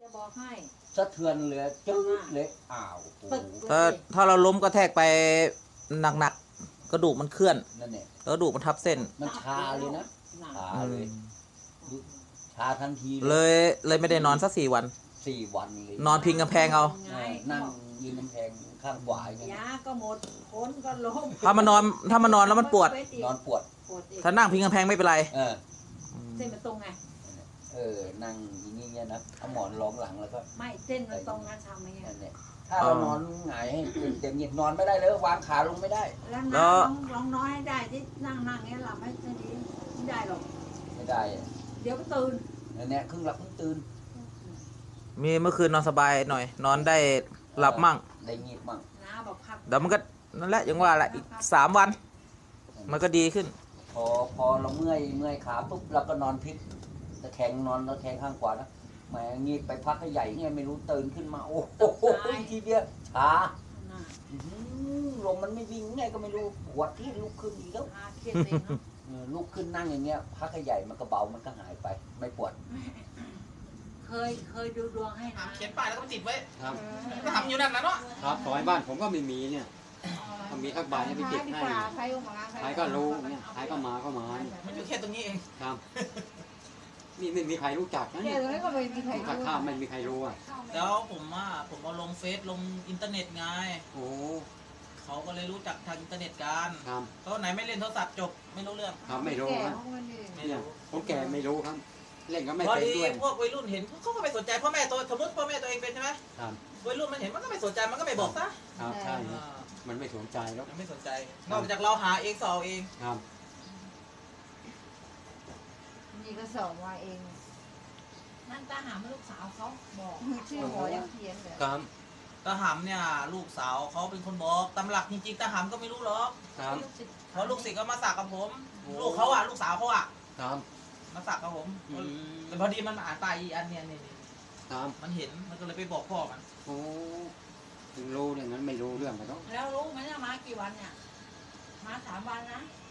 จะบอกให้สะเทือนเลยจืดเลยอ้าวถ้าเราล้มกระแทกไปหนักๆกระดูกมันเคลื่อนนั่นเนี่ยกระดูกมันทับเส้นมันชาเลยนะชาเลยชาทันทีเลยไม่ได้นอนสัก4 วัน 4 วันเลยนอนพิงกำแพงเอานั่งยืนกำแพงข้างขวาอย่างเงี้ยยาก็หมดคนก็ล้มถ้ามานอนแล้วมันปวดนอนปวดถ้านั่งพิงกำแพงไม่เป็นไรเส้นมันตรงไงนั่งอย่างเงี้ยนะเอาหมอนรองหลังแล้วก็ไม่เส้นมันตรงนะทำไงเนี่ยถ้าเรานอนหงายให้เต็มเหยียดนอนไม่ได้เลยวางขาลงไม่ได้แล้วลองน้อยให้ได้ที่นั่งเงี้ยหลับไม่ดีไม่ได้หรอกไม่ได้เดี๋ยวก็ตื่นเนี่ยครึ่งหลับครึ่งตื่นมีเมื่อคืนนอนสบายหน่อยนอนได้หลับมั่งได้งีบมั่งน้าบอกพักเดี๋ยวมันก็นั่นแหละยังว่าแหละอีก3 วันมันก็ดีขึ้นพอเราเมื่อยขาปุ๊บเราก็นอนพลิกตะแคงนอนตะแคงข้างขวานะแหมงีบไปพักให้ใหญ่ไงไม่รู้ตื่นขึ้นมาโอ้โหทีเดียวช้าลมมันไม่วิ่งไงก็ไม่รู้ปวดที่ลุกขึ้นอีกแล้วลุกขึ้นนั่งอย่างเงี้ยพักให้ใหญ่มันก็เบามันก็หายไปไม่ปวดเคยดูดวงให้นะเขียนป้ายแล้วก็ติดไว้ครับก็ทำอยู่นั่นนะเนาะครับซอยบ้านผมก็ไม่มีเนี่ยมีทักใบให้ไปติดให้ใครก็รู้เนี่ยใครก็มามันอยู่แค่ตรงนี้เองครับนี่ไม่มีใครรู้จักนะเนี่ยก็ไม่มีใครรู้ข้ามไม่มีใครรู้อ่ะแล้วผมเอาลงเฟซลงอินเทอร์เน็ตไงโอ้เขาก็เลยรู้จักทางอินเทอร์เน็ตกันครับเขาไหนไม่เล่นโทรศัพท์จบไม่รู้เรื่องครับไม่รู้ครับเนี่ยผมแก่ไม่รู้ครับเล่นก็ไม่เป็นด้วยพวกวัยรุ่นเห็นเขาก็ไม่สนใจพ่อแม่ตัวสมมติพ่อแม่ตัวเองเป็นใช่ไหมครับวัยรุ่นมันเห็นมันก็ไม่สนใจมันก็ไม่บอกซะครับใช่มันไม่สนใจแล้วไม่สนใจนอกจากเราหาเองสอบเองครับนี่ก็สอบว่าเองนั่นตาหาลูกสาวเขาบอกชื่อหมอยังเขียนเลยครับตาหำเนี่ยลูกสาวเขาเป็นคนบอกตำหลักจริงๆตาหำก็ไม่รู้หรอกเพราะลูกศิษย์ก็มาสักกับผมลูกเขาลูกสาวเขาครับมาสักกับผมแต่พอดีมันอ่านตายอีอันเนี่ยมันเห็นมันก็เลยไปบอกพ่อมันโอ้ถึงรู้เนี่ยนั้นไม่รู้เรื่องไปแล้วรู้ไหมเนี่ยมากี่วันเนี่ยมา3 วันนะ